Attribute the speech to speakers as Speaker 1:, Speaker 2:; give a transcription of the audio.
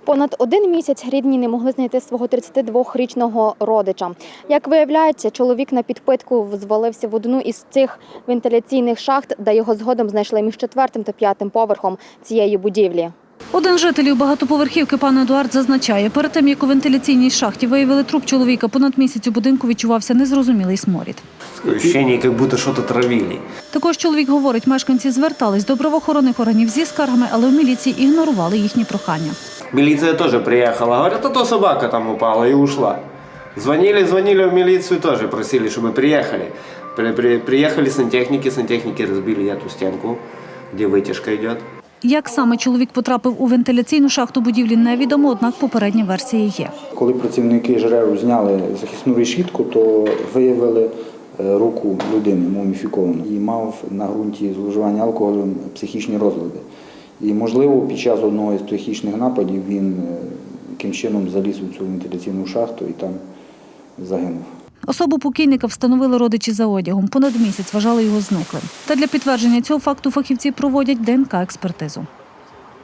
Speaker 1: Понад 1 місяць рідні не могли знайти свого 32-річного родича. Як виявляється, чоловік на підпитку звалився в одну із цих вентиляційних шахт, де його згодом знайшли між 4-м та 5-м поверхом цієї будівлі.
Speaker 2: Один з жителів багатоповерхівки, пан Едуард, зазначає, перед тим, як у вентиляційній шахті виявили труп чоловіка, понад місяць у будинку відчувався незрозумілий сморід.
Speaker 3: Ощущение, як будто щось травили.
Speaker 2: Також чоловік говорить, мешканці звертались до правоохоронних органів зі скаргами, але в міліції ігнорували їхні прохання.
Speaker 3: Милиция тоже приехала, говорят, а то собака там упала и ушла. Звонили в милицию тоже, просили, чтобы приехали. Приехали сантехники разбили эту стенку, где вытяжка идет.
Speaker 2: Як саме чоловік потрапив у вентиляційну шахту будівлі, невідомо, однак попередня версія є.
Speaker 4: Коли працівники ЖРЕУ зняли захисну решітку, то виявили руку людини муміфіковану і мав на ґрунті зловживання алкоголем психічні розлади. І, можливо, під час одного із психічних нападів він яким чином заліз у цю вентиляційну шахту і там загинув.
Speaker 2: Особу покійника встановили родичі за одягом. Понад місяць вважали його зниклим. Та для підтвердження цього факту фахівці проводять ДНК-експертизу.